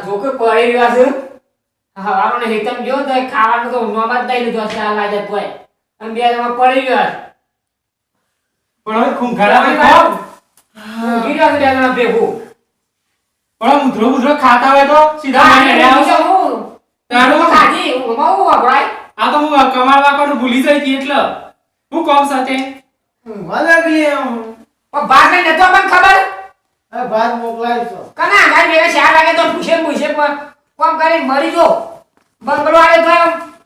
છોકરો પડી રહ્યો છે હવાનો હેતમ જો તો ખાવાનું તો નોમાં જ દઈ લીધો છે આ લાજે કોઈ અને બે જણા પડી ગયો પણ હવે ખૂંખાડા ખાવ ગીરા બે જણા ભેગું પણ મુદ્રો ખાતા હોય તો સીધા મારી આવો હું તારું ખાજી હું માવું વાપરાય આ તો હું કમાવા કોણ ભૂલી જાય કે એટલે હું કોમ સાથે વાલાગલી પણ બાર ને નતો મને ખબર આ ભાત મોકલાય છો કના ગાય બે 4 વાગે તો પૂછે કોમ કરી મરી જો બંગલો આવે તો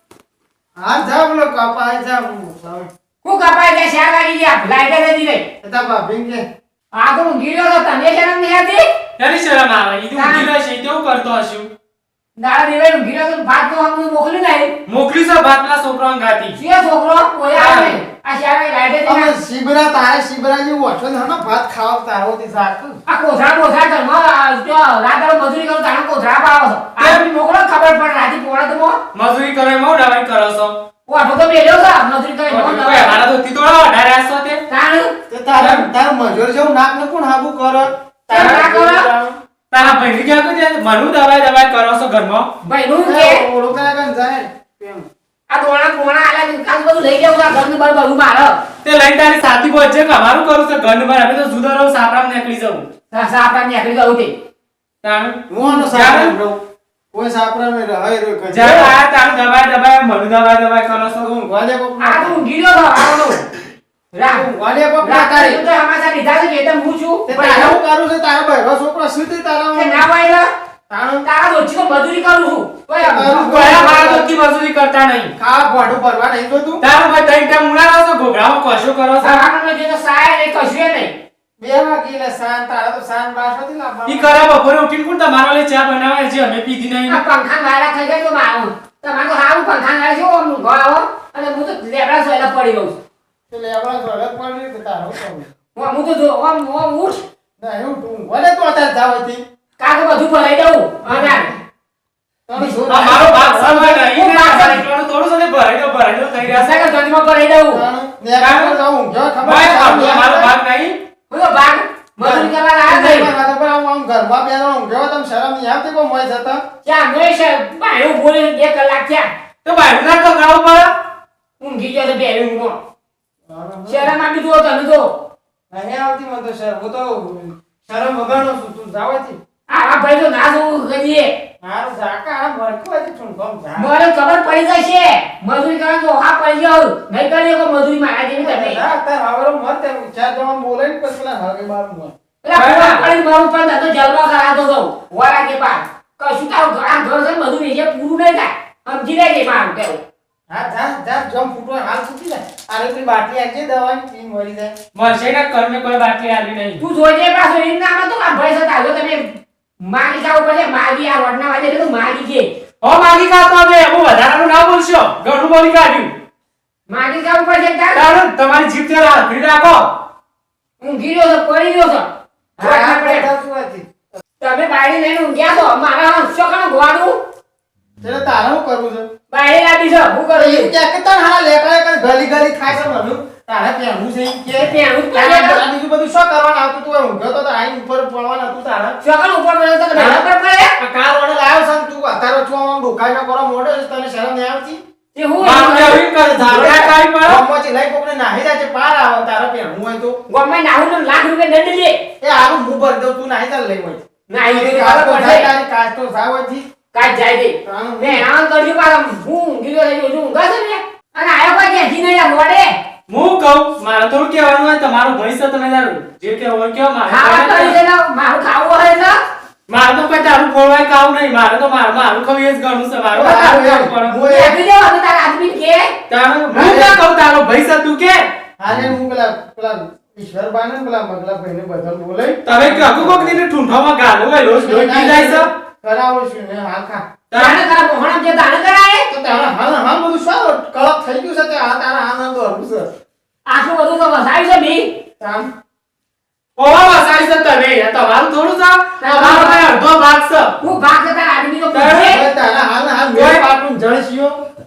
હા જા બોલો કપાય જા હું કપાય કે 4 વાગે ગયા લાઈટ જ નહીં રહી તા ભાભી કે આ તો હું ગીરો તો તને શરમ નહીં આવતી એની શરમ આવે ઈ તો ઊંઘી રહેશે તેવું કરતો હશું દાડા દેવે ગીરો તો ભાત તો હમ મોકલી નહીં મોકલી છે ભાત પેલા છોકરાને ગાતી સિયા છોકરો કોઈ આવે આ 4 વાગે લાઈટ જ અમે નહીં શિબરા તારે શિબરા જે ઓછો ને હનો ભાત ખાવ તારો થી સાક આ કોથરા કર માં જો રાતળ મજૂરી કરું તાણ કોથરા પાવો આ મોકલો ખબર પડે રાતી પોળા તો મજૂરી કરે મો દવાઈ કરો છો ઓઠો તો બેલ્યો છે મજૂરી કરે કોઈ મારા તો તીતોડા વધારે આસો તે તાણ તે તાર મજૂર જેવું નાક ને કોણ હાબુ કર તારા કરો તારા ભાઈ કે કે મનુ દવાઈ કરો છો ઘરમાં ભાઈ નું કે ઓળો કરા કન જાય કેમ આ દોણા આલા કાલ બધું લઈ જાવ ઘરનું બર બધું મારો તે લઈ તારી સાથી પહોંચે કે અમારું કરું છે ઘર પર અમે તો જુદા રહો સાપરામ નીકળી જવું સાપરા ને આકડી ગયું તે તાણ મોનો સાપરા બ્રો કોઈ સાપરા મે રહે રે કજ જ્યારે આ તારું દવાઈ મનુ દવાઈ કરો છો હું વાલે કો આ તો ગીરો તો આવનો રામ વાલે કો તારી તો હમાસા લીધા છે કે તમ હું છું તે તારા હું કરું છે તારા ભાઈ છોકરો સીધી તારા કે ના વાયલા તાણ તારા દોચી તો મજૂરી કરું છું તોય કોઈ મારા તો કી મજૂરી કરતા નહીં ખા ભાડું ભરવા નહીં જોતું તારું ભાઈ તઈ ટાઈમ ઉડાડો છો ઘોઘરાઓ કશો કરો છો સાવાનું જે તો સાય નહીં કશું નહીં 2 વાગે લે સાન તારા તો સાન બાસોથી લાવવા ઈ કરે બપોરે ઉઠીને કોણ તમારો લે ચા બનાવે છે અમે પીધી નહીં આ પંખા વાળા થઈ જાય તો મારું તમારે તો હારું પંખા વાળા છે ઓમ ગળાવો અને હું તો લેબડા સોયલા પડી રહું તે લેવા ઘરે પડી કે તારો કોણ હું તો જો ઓમ ઉઠ ના હું તું વલે તો અત્યારે જાવતી કાકે બધું ભરાઈ દઉં અને તને શું આ મારો ભાગ સમય નહીં ને આ એટલું થોડું સને ભરાઈ દો થઈ રહ્યા છે સગા જન્મ ભરાઈ દઉં ને કામ જાઉં જો ભાઈ ખબર મારો ભાગ નહીં હું તો ભાગ મજૂરી કરવા આવ્યા નહીં મારા પર આમ ઘરમાં બેનો હું ગયો તમ શરમ નહીં આવતી કો મોય જતા ક્યાં મેં છે બાયું બોલે 2 કલાક થયા તો ભાઈ ના કગાવ પર ઊંઘી ગયો તો બે ઊંઘો શરમ આવી તો તને તો નહીં આવતી મને તો શરમ હું તો શરમ વગરનો છું તું જાવતી આ ભાઈ તો ના જોવું કરીએ મારું ઝાકા આ ભરકવાથી છું કોમ જા મને ખબર પડી જશે મજૂરી કરવા તો હા પડી જાવ નહીં કરીએ કો મજૂરી મારા જેવી તમે ના તાર આવરો મત ચાર જવાન બોલે ને પછી પેલા હવે મારું મત પેલા પૂરા પડી મારું પણ તો જલવા કરાતો તો વારા કે પાર કશું તારું આ ઘર છે બધું વેચે પૂરું નહીં થાય સમજી લેજે મારું કેવું હા જા જા જમ ફૂટો હાલ ફૂટી જાય આરે પેલી બાટલી આજી દવાની પી મરી જાય મળશે ને કર્મે કોઈ બાકી આલી નહીં તું જોજે પાછો એમ નામ તો આ ભાઈ સાથે આવ્યો તમે માગી જાવ પડે માગી આ રોડના વાજે તો માગી છે હો માગી કાતો હવે હું વધારાનું ના બોલશો ઘણું બોલી કાઢ્યું માગી જાવ પડે તાર તારું તમારી જીભ તે રાખી રાખો હું ગીરો તો પડી ગયો છો હા પડે સુવાતી તમે બાયડી લઈને ઊંઘ્યા છો મારા છોકરાનું ગોવાનું એટલે તારે શું કરવું છે બાયડી લાવી છે હું કરું એ કે કે તન હા લેકડા કર ગલી ગલી ખાય છે મનું તારે પહેરવું છે ઈ કે પહેરવું જ તારે પડે. બીજું બધું શું કરવાનું આવતું તું ઊંઘ્યો તો આઈ ઉપર પડવાનું હતું તારે છોકરાનું ઉપર પડે તો ના પર પડે આ કાર વડે લાવ્યો છે ને તું અત્યારે છો આમ ડોકાઈ ન કરો મોઢે છે, તને શરમ નહીં આવતી તે હું મામ કેવી કરે ધારણા કાઈ પડો ગમમાંથી લઈ કોકને નાહી જાય છે પાર આવે તારે પહેરવું હોય તો ગમે નાહું તો લાખ રૂપિયા દંડ લે એ હારું હું ભરી દઉં તું નાહી ચાલ લઈ હોય ના એ તો કાચ તો ખબર જાય પડે તારી કાચ તો જાવથી કાઈ જાય દે મે આમ કરજો પાછા હું ગીરો થઈ ગયો ઊંઘા છે ને અને આયો કોઈ કે જી નહીં મોડે હું કહું મારે થોડું કહેવાનું હોય તમારો ભઈ છે તમે તારું જે કે હોય કયો ખાવા કરી મારે છે ને મારું ખાવું હોય ને મારે તો કોઈ તારું ખોળવાય કાવું નહીં મારે તો મારું ખાવું એ જ ગણું છે મારું તારું પણ હું આપી દેવો હવે તારા આદમી કે તારું હું ના કહું તારો ભઈ છે તું કે હાલે હું પેલા ઈશ્વર બાને પેલા મગલા ભાઈને બધા બોલે તમે કકુ કોક દીને ઠુંઠામાં ગાલો હોય રોજ રોજ પી જાય છે કરાવો છું ને હાલ ખા તાણે તારા મોહણમ જે દાન કરાય તો તારા હાલ બધું શું કળપ થઈ ગયું છે તે આ તારા આનંદ હરવું છે આટલું બધું તો વસાવ્યું છે બી તામ ઓવા વસાઈ છે તમે તમારું થોડું છે તમારો કઈ અડધો ભાગ છે હું ભાગ છે તારા આદમી તો તારે- પૂછે હવે તારા હાલ મેં પાટું જણસ્યો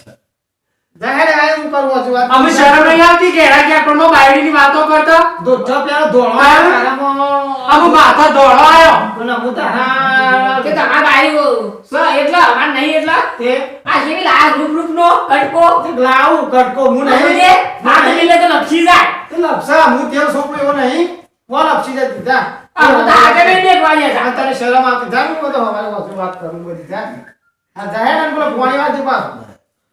જાહેર આય હું કરવો છું વાત અમે શરમ નહીં આવતી કે એના ક્યાં પણ બાયડીની વાતો કરતા દોઢો પેલો ધોળો હા? તારામાં અમે માથા દોડો આવ્યો કોના હું તારા કે તમારા બાઈ એટલે અમાર નહીં એટલે તે આ જેવી લાલ રૂપ નો કટકો લાવું કટકો હું નહીં નહીં દે માથે મિલે તો લપસી જાય તે લપસા હું તેલ સોપડો એવો નહીં કોણ લપસી જતી જા આ બધા આગળ નહીં દેખવા જાય આ તને શરમ આવતી જા હું બધો હવારે વાત કરું બધી જા આ જાહેર અને પેલો પોણી વાત દે પાછો